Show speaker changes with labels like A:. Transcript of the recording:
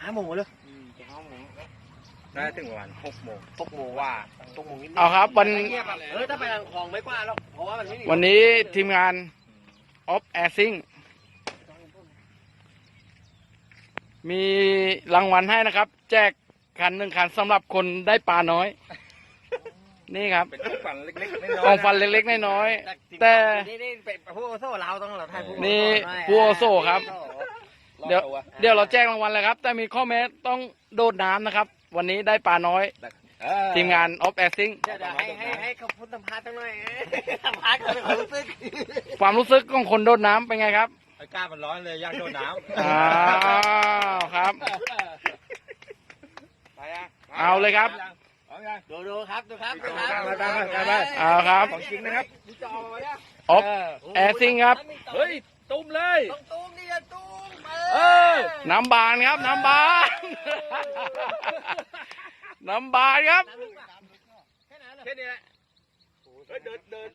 A: 5 โมงเลย
B: จะ5 โมง
C: น่าถึงประมาณ6 โมง
A: 6 โมงว่า6 โมงนิด
D: เอาครับวัน
A: ถ้าไปทางคลองไม่กว้างหรอกเพราะว่ามันไม่มี
D: วันนี้ทีมงาน Off Air Sing มีรางวัลให้นะครับ แจกคัน1 คันสำหรับคนได้ปลาน้อย นี่ครับ
C: เป็นของฝันเล็กๆน้อยๆ
D: ของฟันเล็กๆน้อยๆแต่
A: นี่เป็นผู้โซ่เราต้องเราทายผู้
D: นี่ผู้โซ่ครับ เดี๋ยวเราแจ้งรางวัลเลยครับ แต่มีข้อแม้ต้องโดดน้ำนะครับ วันนี้ได้ปลาน้อย ทีมงาน Off Air Sing
A: เดี๋ยวให้เขาพูดสัมภาษณ์ตั้งหน่อยสัมภาษณ์เขาเป็นความรู้สึก
D: ความรู้สึกของคนโดดน้ำเป็นไงครับ
C: อากาศมันร้อนเลยอยากโดดน้ำ
D: อ้าวครับ เอาเลยครับ
A: ดูครับดูครับดูครับ
C: ไป
D: เอาครับ
C: ของจริงนะครับ
D: Off Air Sing ครับ
C: เฮ้ยตุ้มเลย
A: ต้องตุ้มนี่จะตุ้ม
D: น้ำบานครับ น้ำบาน น้ำบานครับ
C: แค่นี้แหละเฮ้ยเดิน